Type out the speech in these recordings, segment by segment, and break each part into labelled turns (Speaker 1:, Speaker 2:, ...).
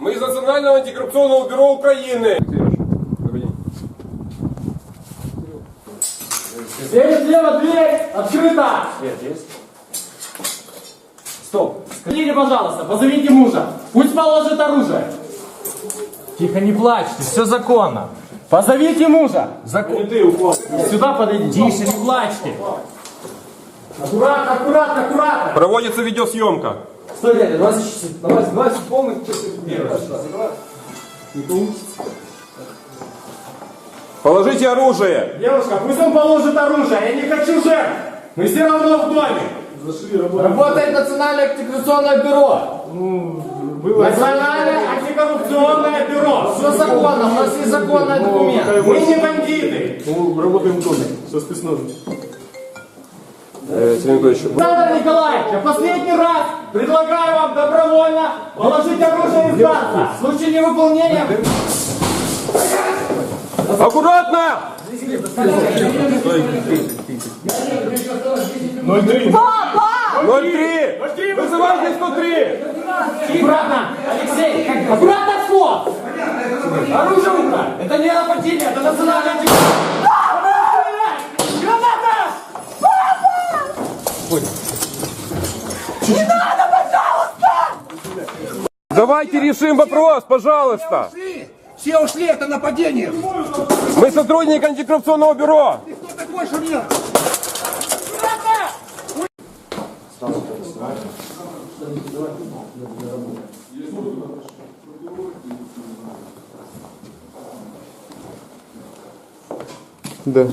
Speaker 1: Мы из Национального антикоррупционного бюро Украины.
Speaker 2: Слева дверь открыта! Свет есть? Стоп! Скажите, пожалуйста, позовите мужа. Пусть положит оружие. Тихо, не плачьте, все законно. Позовите мужа. Сюда подойдите. Тише, не плачьте. Аккуратно, аккуратно, аккуратно.
Speaker 1: Проводится видеосъемка.
Speaker 2: Стой, дядя, давай полный не получится.
Speaker 1: Положите оружие.
Speaker 2: Девушка, пусть он положит оружие, я не хочу жертв. Мы все равно в доме. Работает Национальное антикоррупционное бюро. Национальное антикоррупционное бюро. Все законно, у нас есть законный документ. Мы не бандиты.
Speaker 3: Мы работаем в доме со спецназом.
Speaker 2: Александр Николаевич, я последний раз предлагаю вам добровольно положить оружие и сдаться. В случае невыполнения...
Speaker 1: Аккуратно!
Speaker 3: 03.
Speaker 2: Папа!
Speaker 1: 03! Вызывайте 103!
Speaker 2: Аккуратно! Алексей! Аккуратно, вход! Оружие в руках! Это не нападение, это национальное антикоррупционное! Граната! Папа! Не надо, пожалуйста!
Speaker 1: Давайте решим вопрос, пожалуйста!
Speaker 4: Все ушли, это нападение!
Speaker 1: Мы сотрудники антикоррупционного бюро!
Speaker 4: Ты кто такой, что мне?
Speaker 3: Да.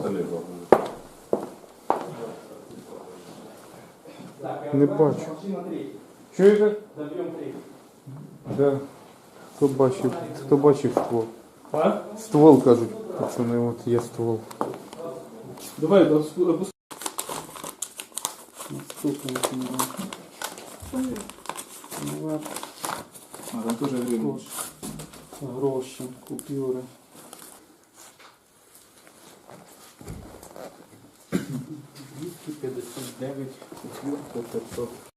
Speaker 3: Не бачу.
Speaker 1: Чуєте?
Speaker 3: Да. Хто бачив ствол?
Speaker 1: А?
Speaker 3: Ствол, кажуть, пацани, от є ствол.
Speaker 5: Давай, опускай. Там тоже время.
Speaker 3: Гроші, купюри. 259, 500.